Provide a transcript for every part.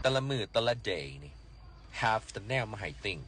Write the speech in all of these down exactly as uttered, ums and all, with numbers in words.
แต่ละมือแต่ละ day นี่ have แต่แนวมาให้ think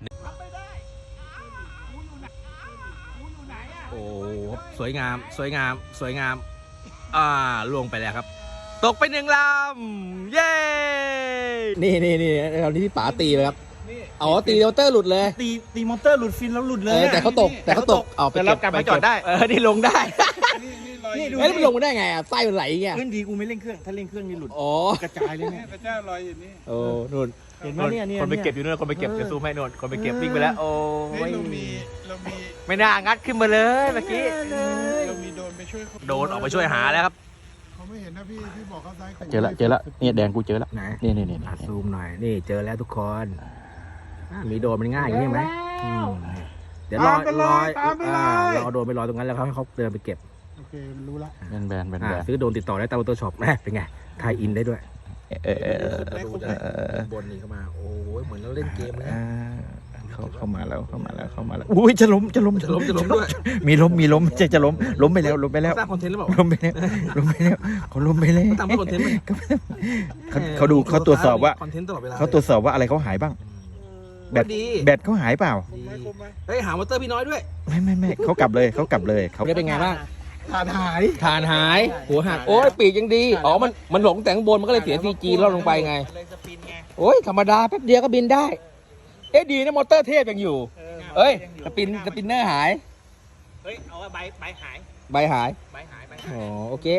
โอ้สวยงามสวยงามสวยงามอ่าล่วงไปแล้วครับตกไปหนึ่งลำเย้นี่นี่นี่ตอนนี้พี่ป๋าตีเลยครับอ๋อตีมอเตอร์หลุดเลยตีตีมอเตอร์หลุดฟินแล้วหลุดเลยเออแต่เขาตกแต่เขาตกเอาไปเก็บกลับมาจอดได้เออนี่ลงได้นี่ดูเอ้ยแล้วมันลงมาได้ไงอ่ะไส้มันไหลไงเพื่อนดีกูไม่เร่งเครื่องถ้าเร่งเครื่องนี่หลุดอ๋อกระจายเลยเนี่ยพระเจ้าลอยอยู่นี่โอ้นู่นเห็นไหมเนี่ยเนี่ยคนไปเก็บอยู่นู่นคนไปเก็บจะซูมให้นู่นคนไปเก็บวิ่งไปแล้วโอ้เฮ้ยยเรามีเรามีไม่น่างัดขึ้นมาเลยเมื่อกี้เรามีโดรนไปช่วยเขาโดนออกไปช่วยหาแล้วครับเขาไม่เห็นนะพี่พี่บอกเขาซ้ายขวาเจอละเจอละเนี่ยแดงกูเจอละไหนนี่นี่นี่อ่ะซูมหน่อยนี่เจอแล้วทุกคนอ่ะมีโดนมันง่ายอย่างนี้ไหมอืมเดี๋ยวรอรออ่ารอโดนไปรอตรงนั้นแล้วเขาให้เขาเดินไปเก็บโอเครู้ละแบนแบนแบนอ่าแบนซื้อโดนติดต่อได้ตามมอเตอร์ช็อปแม่เป็นไงไทยอินได้ด้วยเออเออเออดูจากบนนี่เข้ามาโอ้ยเหมือนเราเล่นเกมเลยอ่าเขาเข้ามาแล้วเข้ามาแล้วเข้ามาแล้วอุ้ยจะล้มจะล้มจะล้มจะล้มด้วยมีล้มมีล้มจะจะล้มล้มไปแล้วล้มไปแล้วสร้างคอนเทนต์หรือเปล่าล้มไปแล้วล้มไปแล้วเขาล้มไปแล้วเขาทำเพื่อคอนเทนต์ไหมเขาเขาดูเขาตรวจสอบว่าคอนเทนต์ตลอดเวลาเขาตรวจสอบว่าอะไรเขาหายบ้างแบตดีแบตเขาหายเปล่าเฮ้ยหามอเตอร์พี่น้อยด้วยไม่ไม่ไม่เขากลับเลยเขากลับเลยเขาได้เป็นไงบ้างขาดหายฐานหายหัวหักโอ้ยปีกยังดีอ๋อมันมันหลงแต่งบนมันก็เลยเสียซีจีล่อลงไปไงเลยสปินไงโอ้ยธรรมดาแป๊บเดียวก็บินได้ เอ๊ะดีนะมอเตอร์เทพยังอยู่ เอ้ยสปินสปินเนอร์หายเฮ้ยเอาใบใบหายใบหายใบหายใบอ๋อโอเค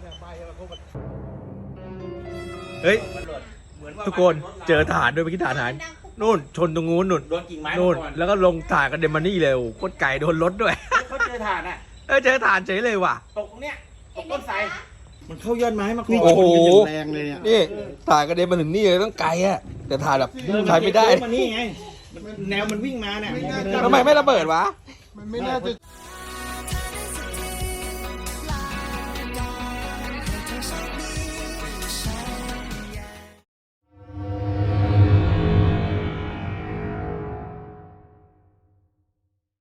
เฮ้ยทุกคนเจอฐานด้วยเมื่อกี้ฐานหายนู่นชนตรงนู้นนู่นโดนกิ่งไม้นู่นมาก่อนแล้วก็ลงถ่านกันเดมมานี่เลยโอ้โหโคตรไก่โดนรถด้วยเขาเจอถ่านอ่ะเออเจอฐานเฉยเลยว่ะตกตรงเนี้ยตกต้นไทรมันเข้ายอดไม้มาก่อนโอ้โหแรงเลยเนี่ยนี่ถ่านกระเด็นมาถึงนี่เลยต้องไกลอะแต่ถ่านแบบถ่ายไม่ได้มันนี่ไงแนวมันวิ่งมาเนี่ยทำไมไม่ระเบิดวะมันไม่น่าจะ